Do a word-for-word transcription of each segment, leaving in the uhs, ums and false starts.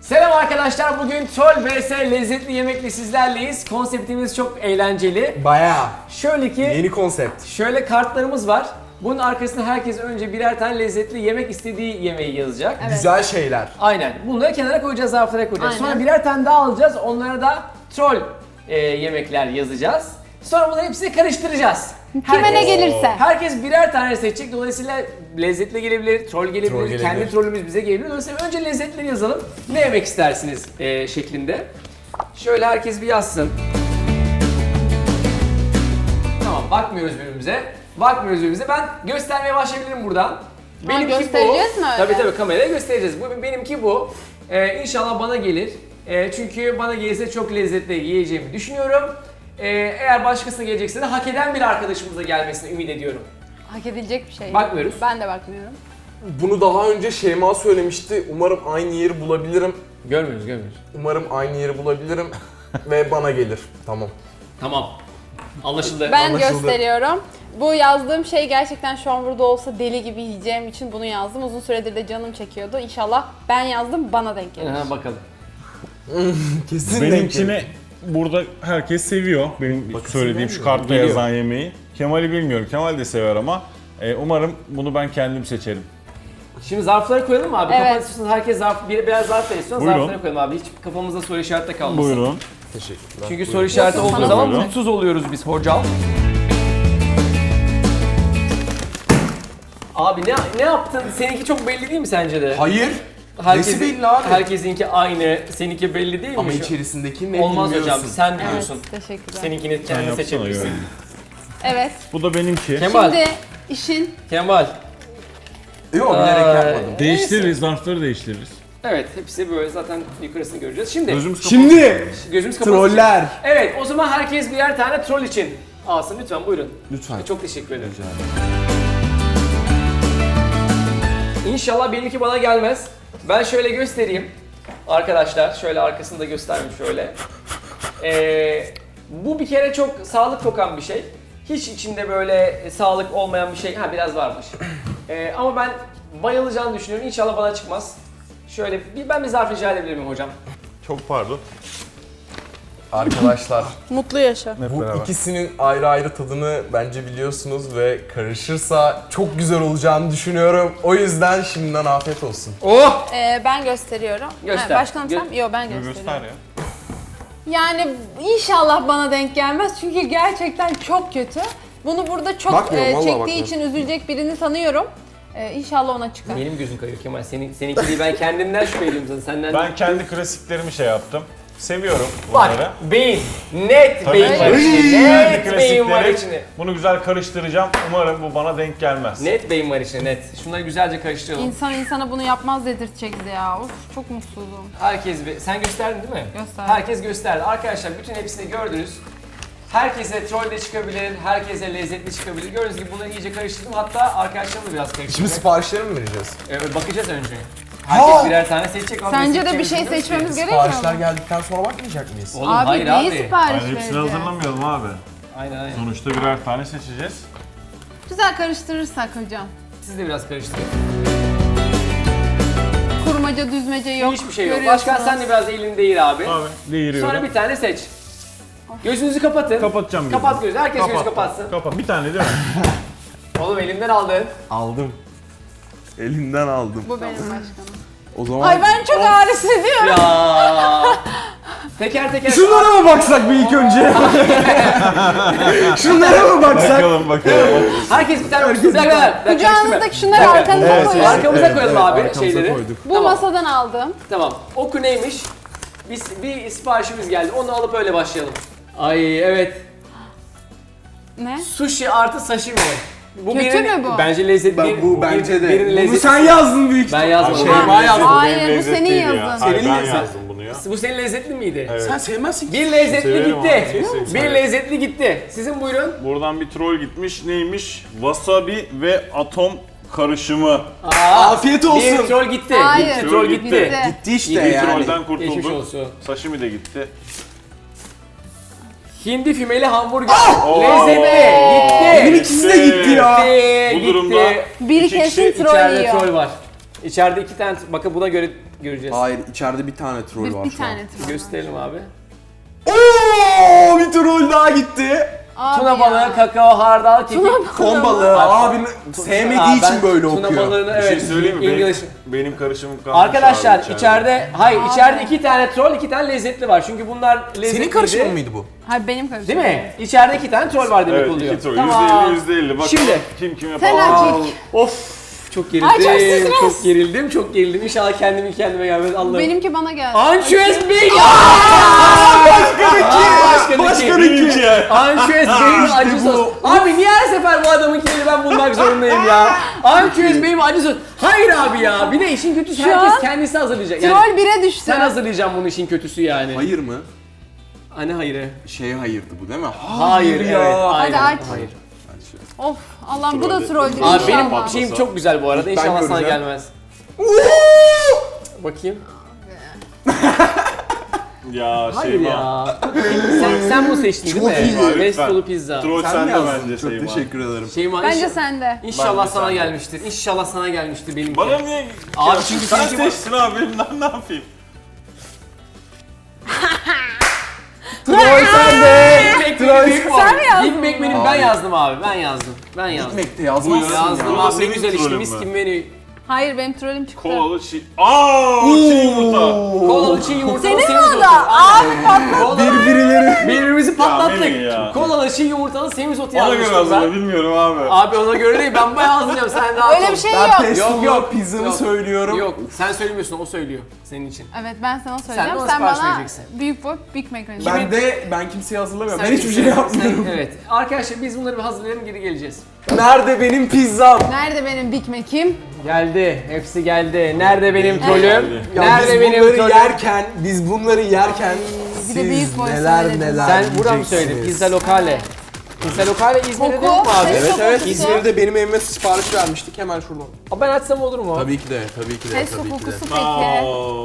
Selam arkadaşlar, bugün Troll vs lezzetli yemekle sizlerleyiz. Konseptimiz çok eğlenceli. Bayağı. Şöyle ki, Yeni konsept. şöyle kartlarımız var. Bunun arkasında herkes önce birer tane lezzetli yemek istediği yemeği yazacak. Evet. Güzel şeyler. Aynen. Bunları kenara koyacağız, zarflara koyacağız. Aynen. Sonra birer tane daha alacağız. Onlara da troll e, yemekler yazacağız. Sonra bunları hepsini karıştıracağız. Kime ne gelirse. Herkes birer tane seçecek. Dolayısıyla lezzetli gelebilir, troll gelebilir, Troll gelebilir. kendi trollümüz bize gelebilir. Dolayısıyla önce lezzetleri yazalım. Ne yemek istersiniz e, şeklinde. Şöyle herkes bir yazsın. Tamam, bakmıyoruz birbirimize. Bakmıyoruz birbirimize. Ben göstermeye başlayabilirim buradan. göstereceğiz mi öyle? Tabii tabii, kameraya göstereceğiz. Bu benimki bu. Ee, inşallah bana gelir. Ee, çünkü bana gelirse çok lezzetli yiyeceğimi düşünüyorum. Ee, eğer başkasına gelecekse de hak eden bir arkadaşımıza gelmesini ümit ediyorum. Hak edilecek bir şey. Bakmıyoruz. Ben de bakmıyorum. Bunu daha önce Şeyma söylemişti. Umarım aynı yeri bulabilirim. Görmüyoruz, görmüyoruz. Umarım aynı yeri bulabilirim ve bana gelir. Tamam. Tamam. Anlaşıldı. Ben Anlaşıldı. gösteriyorum. Bu yazdığım şey gerçekten şu an burada olsa deli gibi yiyeceğim için bunu yazdım. Uzun süredir de canım çekiyordu. İnşallah ben yazdım, bana denk gelir. Ha, bakalım. Kesin denk Benimkini gelir. burada herkes seviyor. Benim söylediğim şu kartta Geliyor. yazan yemeği. Kemal'i bilmiyorum. Kemal de sever ama e, umarım bunu ben kendim seçerim. Şimdi zarfları koyalım mı abi? Evet. Kafanı istiyorsanız herkes zarf, bir, biraz zarf istiyor. Buyurun. Zarfları koyalım abi. Hiç kafamızda soru işareti de kalmasın. Buyurun. Teşekkürler. Çünkü soru işareti Yok, olduğu sana zaman buyurun. mutsuz oluyoruz biz hocam. Abi ne ne yaptın? Seninki çok belli değil mi sence de? Hayır. Nesi belli abi? Herkesinki aynı, seninki belli değil mi? Ama Şu- içerisindeki ne Olmaz bilmiyorsun. hocam, sen Evet, biliyorsun. teşekkürler. Seninkini Sen kendin yapsana seçebilirsin. göre. Evet. Bu da benimki. Kemal, Şimdi işin Kemal. Yok bilerek Aa, yapmadım. Değiştiririz, zarfları değiştiririz. Evet, hepsi böyle, zaten yukarısını göreceğiz. Şimdi Gözümüz kapalı. Şimdi gözümüz kapalı. troller. Evet, o zaman herkes birer tane troll için alsın lütfen, buyurun. Lütfen. Çok teşekkür ederim. İnşallah benimki bana gelmez. Ben şöyle göstereyim. Arkadaşlar şöyle arkasını da göstereyim şöyle. Ee, bu bir kere çok sağlık kokan bir şey. Hiç içinde böyle sağlık olmayan bir şey. Ha, biraz varmış. Ee, ama ben bayılacağını düşünüyorum. İnşallah bana çıkmaz. Şöyle bir, ben bir zarf rica edebilir miyim hocam? Çok pardon. Arkadaşlar mutlu yaşa. Hep bu beraber. ikisinin ayrı ayrı tadını bence biliyorsunuz ve karışırsa çok güzel olacağını düşünüyorum. O yüzden şimdiden afiyet olsun. Oh! Ee, ben gösteriyorum. Göster. Ha, başkanım sen? Gö- Yok, ben Bunu gösteriyorum. göster ya. Yani inşallah bana denk gelmez çünkü gerçekten çok kötü. Bunu burada çok Bakmıyorum, e, vallahi çektiği bakmıyorum. için üzülecek birini tanıyorum. E, inşallah ona çıkar. Benim gözüm kayıyor Kemal. Senin, seninki değil, ben kendimden şüphe ediyorum zaten. Senden Ben kendi klasiklerimi şey yaptım. Seviyorum Bak, bunları. beyin. Net Tabii beyin ki. var içinde. Kendi Net beyin var klasikleri. içinde. Bunu güzel karıştıracağım. Umarım bu bana denk gelmez. Net beyin var içinde, net. Şunları güzelce karıştıralım. İnsan insana bunu yapmaz dedirtecek bize ya. Of, çok mutsuzum. Herkes bir... Sen gösterdin değil mi? Gösterdim. Herkes gösterdi. Arkadaşlar bütün hepsini gördünüz. Herkese troll de çıkabilir, herkese lezzetli çıkabilir. Gördüğünüz gibi bunları iyice karıştırdım. Hatta arkadaşlarımla biraz Şimdi karıştırdım. siparişleri mi vereceğiz? Evet, bakacağız önce. Herkes Ha! birer tane seçecek. ama Sence biz de bir şey seçeceğimizi seçmemiz biliyoruz. gerekmiyor Siparişler mu? geldikten sonra bakmayacak mıyız? Oğlum Abi hayır neyi abi. sipariş Yani hepsini vereceğiz? hazırlamayalım abi. Aynen aynen. Sonuçta birer tane seçeceğiz. Güzel karıştırırsak hocam. Siz de biraz karıştırın. Kurmaca düzmece yok. Hiçbir şey yok. Görüyorsunuz. Başkan sen de biraz elini değir abi. Abi değiriyorum. Sonra bir tane seç. Gözünüzü kapatın. Kapatacağım gözümü. Kapat gözü. Herkes gözü Kapattım. kapatsın. Kapat. Bir tane değil mi? Oğlum elimden aldın. Aldım. Elinden aldım. Bu benim başkanım. O zaman Ay ben çok ağrı hissediyorum. Ya. Teker teker. şunlara mı baksak bir ilk önce? Şunlara mı baksak? bakalım bakalım. Herkes bir tane Herkes bir tane. Kucağınızdaki şunları arkanıza Evet, koyun. evet. Arkamıza koyalım abi arkamıza şeyleri. koyduk. Bu Tamam. masadan aldım. Tamam. Oku neymiş? Biz bir siparişimiz geldi. Onu alıp öyle başlayalım. Ay evet. Ne? Sushi artı sashimi. Bu Kötü birinin- mü bu? Bence lezzetli. Ben, bu bence de. Birinin Bunu lezzeti. sen yazdın büyük Ben ihtimalle. yazmadım. Şey, Şeyma yazdı. Hayır, bu senin yazın. Hayır, Senin ben yazın. yazdım bunu ya. Bu senin lezzetli miydi? Evet. Sen sevmezsin ki. Bir lezzetli Severim gitti. abi, severim, Bir severim. lezzetli gitti. Sizin buyurun. Buradan bir troll gitmiş. Neymiş? Wasabi ve atom karışımı. Aa, Afiyet olsun. Bir troll gitti. Hayır. Gitti, troll gitti. Gitti. Gitti işte İyi Bir yani. trollden Geçmiş kurtulduk. olsun. Sashimi de gitti. Hindi fümeli hamburger. Oo. Lezzetli. Benim Gitti. ikisi de gitti ya. Gitti. Bu durumda gitti. Bir iki kesin kişi troll İçeride yiyor. troll var. İçeride iki tane, bakın buna göre göreceğiz. Hayır, içeride bir tane troll Bir, var bir şu an. tane troll. Gösterelim abi. Oo, bir troll daha gitti. Abi Tuna ya. balığı, kakao, hardal, kekik. Ton balığı. Abim sevmediği Aa, için ben böyle Tuna okuyor. balığını Bir şey evet. söyleyeyim mi? Benim, English. benim karışımım kalmış Arkadaşlar abi içeride, hayır Abi. içeride iki tane troll, iki tane lezzetli var. Çünkü bunlar lezzetliydi. Senin karışımın mıydı bu? Hayır benim karışım. Değil mi? İçeride iki tane troll var demek Evet, oluyor. iki troll. Tamam. yüzde elli yüzde elli. Bak Şimdi. kim kime Sen falan. erkek. Of çok Ay, gerildim. çok stres. çok gerildim, çok gerildim. İnşallah kendimi kendime gelmez Allah'ım. Benimki bana geldi. Ançüez Bey! Başka Başka Başka bir Benimki ya. Ançüez Bey'in acı sos. Abi niye her sefer bu adamınkileri ben bulmak zorundayım ya? Ançüez Bey'in acı sos. Hayır abi ya. Bir de işin kötüsü Şu herkes an kendisi hazırlayacak. Yani Troll bire düştü. sen hazırlayacaksın bunu işin kötüsü yani. Hayır mı? Anne hayırı. Şeye hayırdı bu değil mi? Hayır, ya. evet. Hadi Aynen. aç. Hayır. Of Allah'ım bu da Troll. troll değil. Abi benim İnşallah. şeyim çok güzel bu arada. Ben İnşallah sana göreceğim. gelmez. Bakayım. Ya Hayır Şeyma. ya. sen, sen bunu seçtin Çok değil mi? iyi. Lütfen. Restolu pizza. Troll Sen mi sende yazdın? bence Çok Şeyma. teşekkür ederim. Şeyma, Bence inşallah- sende. İnşallah Bence sana sende. gelmiştir. İnşallah sana gelmiştir benimki. Bana niye? Abi Ya, çünkü sen seninki bu- seçtin abi ben ne yapayım? Troll sende. Big Mac Troll benim büyük sen mi yazdın Big Mac benim ben Hayır. yazdım abi. Ben yazdım. Ben yazdım. Ekmekte yazmazsın Yazdım ya. O abi ne senin güzel işte trollün mis mü? gibi menü. Hayır benim trollüm çıktı. Kolalı çiğ... Aaa çiğ yumurta. Kolalı çiğ yumurtalı Senin mi semizotu. o da? Abi patladı. Birbirleri. Birbirimizi patlattık. Melih ya. Kolalı çiğ yumurtalı semizotu Ona göre yazmıştım hazırla ben. bilmiyorum abi. Abi ona göre değil ben bayağı hazırlayacağım sen rahat Öyle ol. bir şey Ben yok. pestolu yok, pizzamı yok. söylüyorum. Yok sen söylemiyorsun o söylüyor senin için. Evet ben sana söyleyeceğim. ona Sen, sipariş bana vereceksin. büyük boy Big Mac vereceksin. Ben de ben kimseye hazırlamıyorum. Sen Ben hiçbir şey sen- yapmıyorum. sen- evet. Arkadaşlar biz bunları bir hazırlayalım geri geleceğiz. Nerede benim pizzam? Nerede benim Big Mac'im? Geldi. Hepsi geldi. Nerede benim trollüm? geldi. Ya Nerede biz benim bunları trollüm? yerken, biz bunları yerken bir de siz büyük boy neler söyledin. neler Sen buradan mı söyledin? yiyeceksiniz. Pizza Lokale. Pizza Lokale İzmir'de Koku, değil mi abi? ses Evet kokusu. evet İzmir'de benim evime sipariş vermiştik hemen şuradan. Aa, ben açsam olur mu? Tabii ki de, tabii ki de, Pesto tabii ki de. kokusu peki. Aa,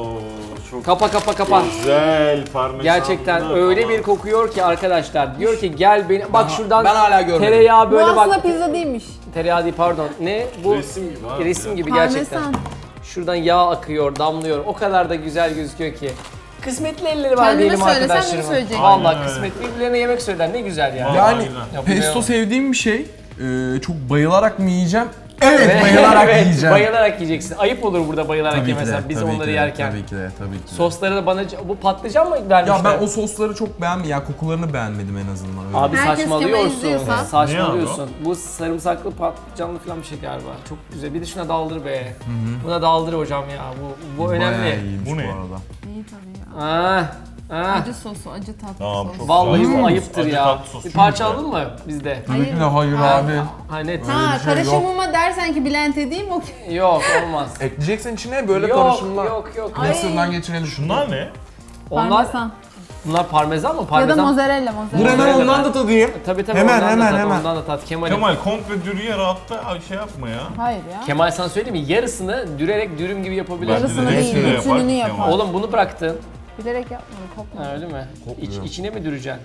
çok Kapa kapa kapa. güzel parmesan. Gerçekten öyle bir kokuyor ki arkadaşlar. Diyor ki gel beni bak şuradan Ben hala görmedim. tereyağı Bu böyle aslında bak. pizza değilmiş. Tereyağı değil pardon. Ne? Bu Resim gibi abi. resim gibi gerçekten. Parmesan. Şuradan yağ akıyor, damlıyor. O kadar da güzel gözüküyor ki. Kısmetli elleri var Kendine diyelim söyle, sen bunu arkadaşlarım. söyleyeceksin. Vallahi Aynen öyle. kısmetli birbirlerine yemek söyler ne güzel ya. Vallahi. Yani Aynen. Yapılıyor. pesto sevdiğim bir şey. Ee, çok bayılarak mı yiyeceğim? Evet, bayılarak evet, yiyeceğim. Bayılarak yiyeceksin. Ayıp olur burada bayılarak Tabii ki yemesen de, biz tabii onları ki de, yerken. Tabii ki de, tabii ki de. Sosları da bana bu patlıcan mı vermişler? Ya ben o sosları çok beğenmedim. Yani kokularını beğenmedim en azından. Öyle. Abi Herkes saçmalıyorsun. Kemal izliyorsa. Saçmalıyorsun. Bu sarımsaklı patlıcanlı falan bir şey galiba. Çok güzel. Bir de şuna daldır be. Buna daldır hocam ya. Bu bu Bayağı önemli. iyiymiş Bu ne? bu arada. İyi tabii ya. Ah, ah. Acı sosu, acı tatlı Tamam, sos. çok Vallahi güzel. bu ayıptır Acı ya. tatlı sos Bir çok parça güzel. aldın mı bizde? Tabii ki de hayır Ha. abi. Ha net. Ha bir şey karışımıma dersen ki blend edeyim okey. Yok olmaz. Ekleyeceksin içine böyle yok, karışımlar. yok yok Ay. Mısırdan geçirelim. Şunlar ne? Onlar Parmesan. bunlar parmesan mı? Ya da Parmesan. mozzarella, Dur mozzarella. hemen Mozzarella ondan ben- da tadayım. Tabii tabii Hemen, ondan hemen, da tat, hemen. ondan da tat. Kemal. Kemal komple dürüye rahatta ay şey yapma ya. Hayır ya. Kemal sana söyleyeyim mi? Yarısını dürerek dürüm gibi yapabilirsin. Yarısını Bence de değil, hepsini de bütününü yapar yapar. Kemal. Oğlum bunu bıraktın. Bilerek yapmıyorum, kopma. Ha, öyle mi? Kopmuyor. İç, içine mi düreceksin?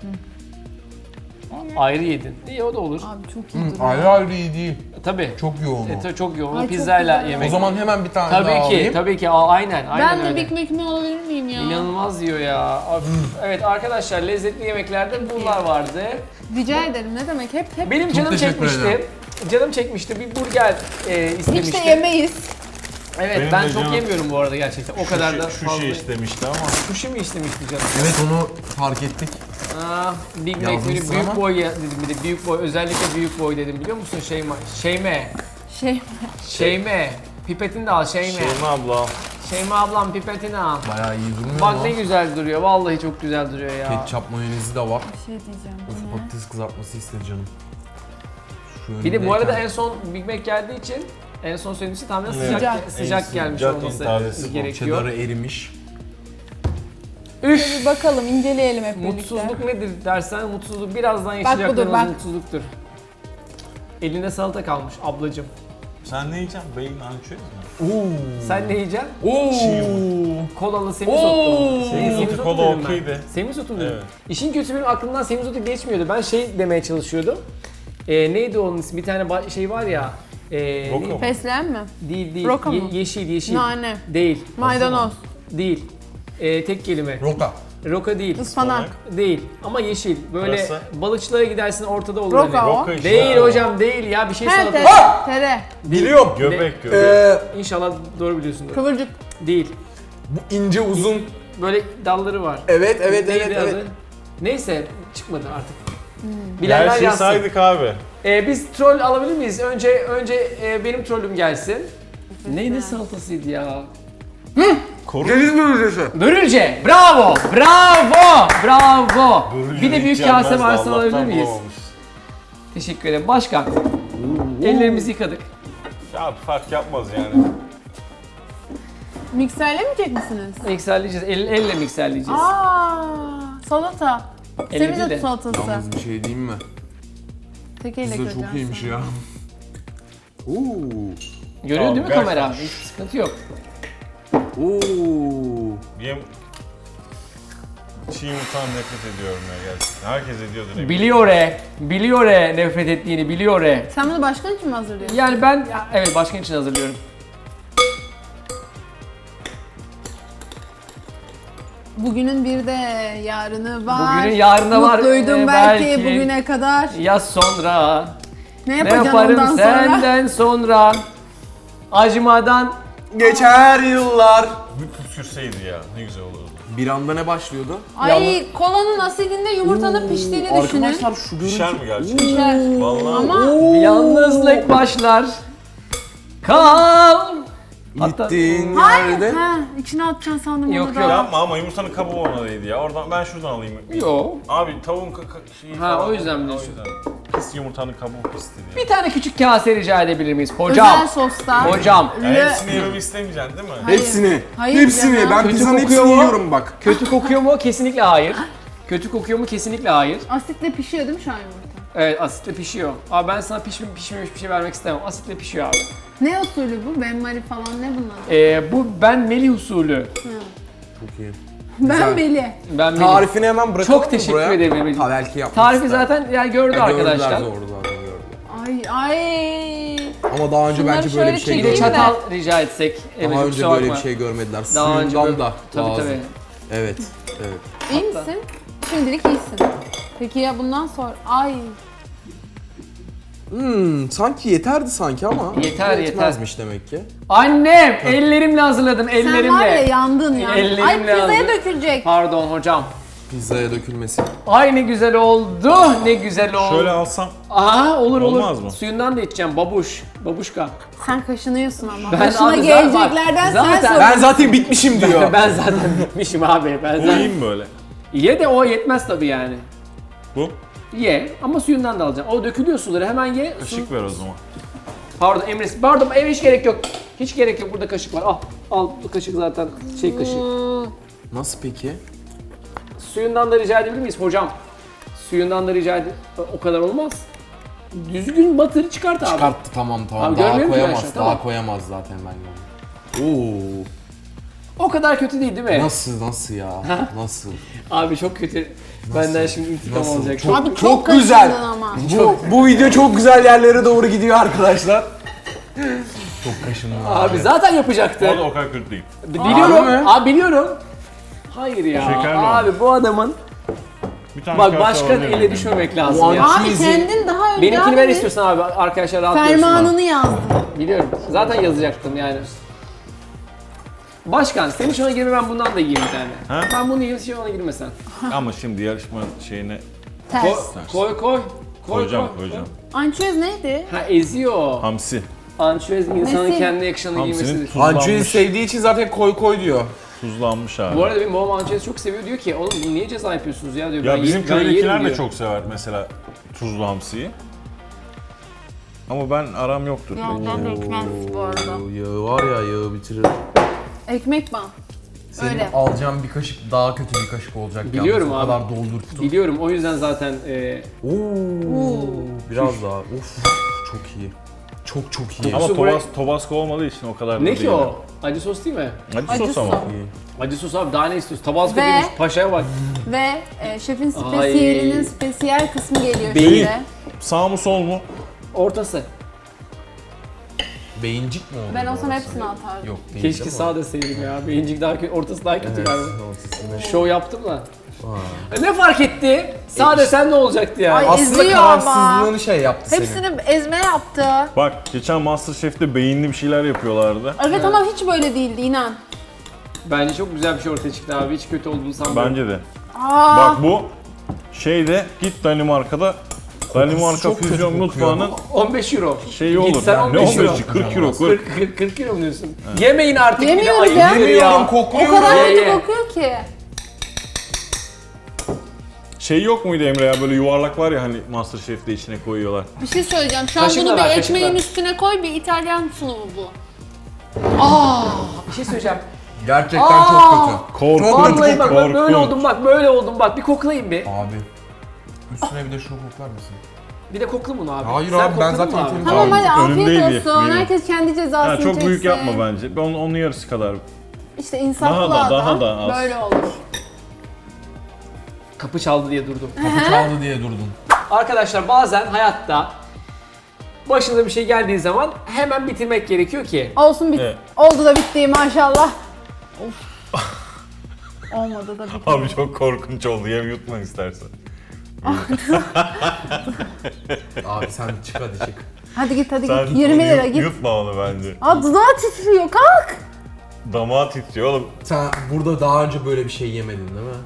Ayrı yedin. İyi o da olur. Abi çok iyi Hı, duruyor. ayrı ayrı iyi değil. Tabii. Çok yoğun E, o. tabii çok yoğun. Ay, çok Pizzayla güzel. yemek. O zaman hemen bir tane daha tabii ki, alayım. tabii ki. Aa, aynen, aynen Ben de öyle. Big Mac'imi alabilir miyim ya? İnanılmaz diyor ya. Of. Evet arkadaşlar lezzetli yemeklerde bunlar vardı. Rica ederim ne demek hep hep. Benim canım teşekkür çekmişti. ederim. Canım çekmişti. Bir burger e, Hiç istemişti. de yemeyiz. Evet Benim ben de çok canım- yemiyorum bu arada gerçekten. O kadar da Şu fazla. şey istemişti ama. Sushi mi istemişti canım? Evet onu fark ettik. Aa, Big Mac Yazmışsın böyle büyük ama. boy ya- dedim bir de büyük boy özellikle büyük boy dedim biliyor musun Şeyma? Şeyme. Şey Şeyme. Pipetini de al Şeyme. Şeyma abla. Şeyma ablam pipetini al. Bayağı iyi durmuyor Bak mu? ne güzel duruyor. Vallahi çok güzel duruyor ya. Ketçap mayonezi de var. bir şey diyeceğim. Bu Of ne? patates kızartması istedi canım. Şu Bir de bu arada önündeyken- en son Big Mac geldiği için en son söylediğim için tamamen Evet. sıcak Sıcak. sıcak, En gelmiş sıcak, en olması tazesi bu. gerekiyor. Cheddar'ı erimiş. Üf! Bir bakalım inceleyelim hep birlikte. Mutsuzluk nedir dersen mutsuzluk birazdan budur, yaşayacaklarımız bak. mutsuzluktur. Elinde salata kalmış ablacım. Sen ne yiyeceksin? Beyin ançöz mü? Oo. Sen ne yiyeceksin? Oo. Kolalı semizotu. Oo. Semizotu, kola dedim ben. okey de. Semizotu mu dedim? Evet. İşin kötüsü benim aklımdan semizotu geçmiyordu. Ben şey demeye çalışıyordum. Ee, neydi onun ismi? Bir tane ba- şey var ya. Ee, Roka ne- mı? Fesleğen mi? Değil değil. Roka Ye- mı? yeşil yeşil. Nane. Değil. Maydanoz. Değil. Ee, tek kelime. Roka. Roka değil. Ispanak. Değil. Ama yeşil. Böyle Pırasa. balıkçılara gidersin ortada olur. Roka hani. o. Roka işte. Değil hocam değil ya bir şey He sana. tere. Tere. Biliyorum. Göbek göbek. Ee, İnşallah doğru biliyorsundur. Kıvırcık. Değil. bu ince uzun. Böyle dalları var. Evet evet Neydi evet adı? evet. Neyse çıkmadı artık. Hmm. Bilenler Her şeyi yazsın. saydık abi. Ee, biz troll alabilir miyiz? Önce önce e, benim trollüm gelsin. Neydi salatasıydı ya? Koru. Deniz börülcesi. Börülce. Bravo. Bravo. Bravo. Bir de büyük Yiyeceğim kase ben de, varsa alabilir Allah'tan miyiz? bulamamış. Teşekkür ederim. Başkan. Ellerimizi yıkadık. Ya fark yapmaz yani. Mikserlemeyecek misiniz? Mikserleyeceğiz. El, elle mikserleyeceğiz. Aa, salata. Elle değil Semizot de. salatası. Yalnız bir şey diyeyim mi? Tek elle Pizza çok kıracağım iyiymiş sonra. ya. Oo. Görüyor Tamam, değil mi gerçekten. kamera? Hiç sıkıntı yok. Oo. Yem... Çiğ yumurtadan nefret ediyorum ya gerçekten. Herkes ediyordur eminim. Biliyor e. Biliyor e nefret ettiğini biliyor e. Sen bunu başkan için mi hazırlıyorsun? Yani ben ya, evet başkan için hazırlıyorum. Bugünün bir de yarını var. Bugünün yarını var, Mutluydum e, belki, belki. bugüne kadar. Ya sonra Ne ne yapacaksın yaparım ondan sonra? senden sonra acımadan Geçer yıllar. Bir püskürseydi ya ne güzel olurdu. Bir anda ne başlıyordu? Ay kolanın asidinde yumurtanın piştiğini düşünün. Arkadaşlar şu görüntü. Pişer mi gerçekten? Pişer. Vallahi. Ama yalnızlık başlar. Kal. Hatta- Gittiğin hayır. yerde. Ha, içine atacaksın sandım Yok, onu da. yok. Yapma ama yumurtanın kabuğu ona değdi ya. Oradan ben şuradan alayım. Yo. Abi tavuğun ka- ka- şeyi Ha, falan. o yüzden mi O diyorsun? yüzden. Pis yumurtanın kabuğu pisti diye. Bir tane küçük kase rica edebilir miyiz? Özel Hocam. soslar. Hocam. Ya Lö- hepsini yememi istemeyeceksin değil mi? Hayır. Hepsini. Hayır Hepsini. canım. Ben Kötü pizzanın kokuyor hepsini mu? yiyorum bak. Kötü kokuyor mu? Kesinlikle hayır. Kötü kokuyor mu? Kesinlikle hayır. Asitle pişiyor değil mi şu an yumurta? Evet, asitle pişiyor. Abi ben sana pişmiş pişmemiş bir şey vermek istemem. Asitle pişiyor abi. Ne usulü bu? Benmari falan ne bunlar? Ee, bu ben Melih usulü. Çok iyi. Ben Beli. Ben Melih. Tarifini hemen bırakalım Çok mı teşekkür buraya? ederim Emre'ciğim. Ha belki yapmak Tarifi ister. zaten yani gördü Ya gördüler, arkadaşlar. Doğru zaten gördü. Ay ay. Ama daha önce Şunları bence böyle bir şöyle şey Bir de çekeyim görmediler. çatal rica etsek. Daha Emre'ciğim, önce kusura böyle bir bakma. şey görmediler. Daha önce Suyundan böyle- da Tabii lazım. tabii. Evet, evet. İyi misin? Şimdilik iyisin. Peki ya bundan sonra? Ay. Hmm, sanki yeterdi sanki ama. Yeter, yetmezmiş demek ki. Annem ellerimle hazırladım Sen var ya ellerimle. yandın ya. Ellerimle Ay pizzaya aldım. dökülecek. Pardon hocam. Pizzaya dökülmesi. Ay ne güzel oldu. Ne güzel oldu. Şöyle alsam. Aa olur olur. Olmaz mı? Suyundan da içeceğim babuş. Babuşka. Sen kaşınıyorsun ama. Ben Başına abi zaten- geleceklerden zaten- sen sor. Ben zaten bitmişim diyor. Ben zaten bitmişim abi. Ben zaten. Koyayım böyle. Ye de o yetmez tabii yani. Bu. Ye ama suyundan da alacaksın. O dökülüyor suları hemen ye. Su- Kaşık ver o zaman. Pardon Emre. Pardon Emre hiç gerek yok. Hiç gerek yok. Burada kaşık var. Al. Al bu kaşık zaten şey kaşığı. Nasıl peki? Suyundan da rica edebilir miyiz hocam? Suyundan da rica ed... O kadar olmaz. Düzgün batır çıkart abi. Çıkarttı tamam tamam. Abi daha görmüyorum ki ben koyamaz. şu an, Daha tamam. koyamaz zaten ben gördüm. Oo. O kadar kötü değil değil mi? Nasıl nasıl ya? Nasıl? Abi çok kötü. Benden şimdi intikam Nasıl? alacak. Çok- Abi çok, çok kaşındın güzel. ama. Bu, bu video çok güzel yerlere doğru gidiyor arkadaşlar. Çok kaşındım Abi zaten yapacaktı. O da o kadar kötü değil. Biliyorum. Harbi mi? Abi biliyorum. Hayır ya. Şekerli abi bu adamın Bir tane bak kase başkan alabilir ele miyim? düşmemek lazım Bu ya. an- Abi Cheesy. kendin daha önce Benimkini ver abi istiyorsan abi arkadaşlar rahatlıyorsun. fermanını yazdın. Biliyorum. Zaten yazacaktım yani. Başkan senin şuna girme ben bundan da yiyeyim bir tane. Ha? Ben bunu yiyeyim sen ona girme sen. Ama şimdi yarışma şeyine Koy Ters. koy koy. Koy, koyacağım koy. koyacağım. Ançöz neydi? Ha eziyor. Hamsi. Ançüez insanın Nesi? kendine yakışanı Hamsinin giymesidir. Ançu'yu tuzlanmış. sevdiği için zaten koy koy diyor. Tuzlanmış abi. Bu arada benim babam ançüez çok seviyor diyor ki oğlum bunu niye ceza yapıyorsunuz ya diyor. Ya ben bizim ye- ben yerim köydekiler de diyor. çok sever mesela tuzlu hamsiyi. Ama ben aram yoktur. Yandan dökmez bu arada. Oo, yağı var ya yağı bitirir. Ekmek ban. Senin Öyle. alacağın bir kaşık daha kötü bir kaşık olacak. Biliyorum yalnız. O abi. kadar doldurttu. Biliyorum o yüzden zaten e, Oo, biraz daha. Of çok iyi. Çok çok iyi. Ama Su buraya- tobas, Tabasco olmadığı için o kadar da ne değil. ki o? Acı sos değil mi? Acı, Acı sos ama. sos. İyi. Acı sos abi daha ne istiyorsun? Tabasco Ve- değilmiş paşaya bak. Ve e, şefin spesiyelinin Ay. spesiyel kısmı geliyor Değil. şimdi. Sağ mı sol mu? Ortası. Beyincik mi oldu? Ben olsam orası? hepsini atardım. Yok değil Keşke değil mi? sağ deseydim ya. Beyincik daha kötü, ortası daha kötü Evet, galiba. ortasını- Şov yaptım da. Aa. E, Ne fark etti? Sağ desen ne olacaktı yani? Ay, Aslında eziyor ama. kararsızlığını şey yaptı seni. Hepsini ezme yaptı. Bak geçen MasterChef'te beyinli bir şeyler yapıyorlardı. Evet ama hiç böyle değildi inan. Bence çok güzel bir şey ortaya çıktı abi. Hiç kötü olduğunu sanmıyorum. Bence de. Aa, Bak bu şeyde git Danimarka'da Danimarka çok kötü füzyon kokuyor. mutfağının on beş euro. şeyi olur. Gitsen Ne on beş euro. on beşi? kırk euro. kırk. kırk, kırk, kırk euro mu diyorsun? Yemeyin artık. bir de, Yemiyoruz ayıp ya. nedir Yemiyorum o kokluyorum. kadar Ye, kötü ye. kokuyor ki. Şey yok muydu Emre ya böyle yuvarlak var ya hani MasterChef'te içine koyuyorlar. Bir şey söyleyeceğim. Şu an Kaşıkla bunu bir ver, ekmeğin kaşıkla. üstüne koy, bir İtalyan sunumu bu. Bir şey söyleyeceğim. Gerçekten Aa! çok kötü. Korkunç. Vallahi bak ben böyle korkunç. oldum bak böyle oldum bak bir koklayayım bir. Abi. Üstüne bir de şunu koklar mısın? Bir de kokla bunu abi. Hayır Sen abi, ben kokladın zaten mı abi? yeterim- Tamam Abi, hadi önündeydi, afiyet olsun. biliyorum. Herkes kendi cezasını Ya çok çeksin. büyük yapma bence. Ben onun, onun yarısı kadar. İşte insaflı Daha da, adam daha da az. böyle olur. Kapı çaldı diye durdum. Kapı çaldı diye durdun. Arkadaşlar bazen hayatta başınıza bir şey geldiği zaman hemen bitirmek gerekiyor ki. Olsun bit. Evet. Oldu da bitti maşallah. Of. Olmadı da bitti. Abi çok korkunç oldu. Yem yutma istersen. Abi sen çık hadi çık. Hadi git hadi Sen git. yirmi lira yut- git. Yutma onu bence. Aa dudağı titriyor kalk. Damağı titriyor oğlum. Sen burada daha önce böyle bir şey yemedin değil mi?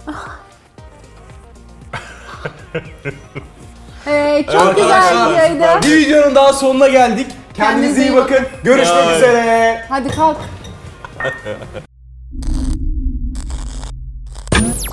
Ee, çok güzel Arkadaşlar, videoydu. Bir videonun daha sonuna geldik. Kendinize iyi bakın. Görüşmek Bye. üzere. Hadi kalk.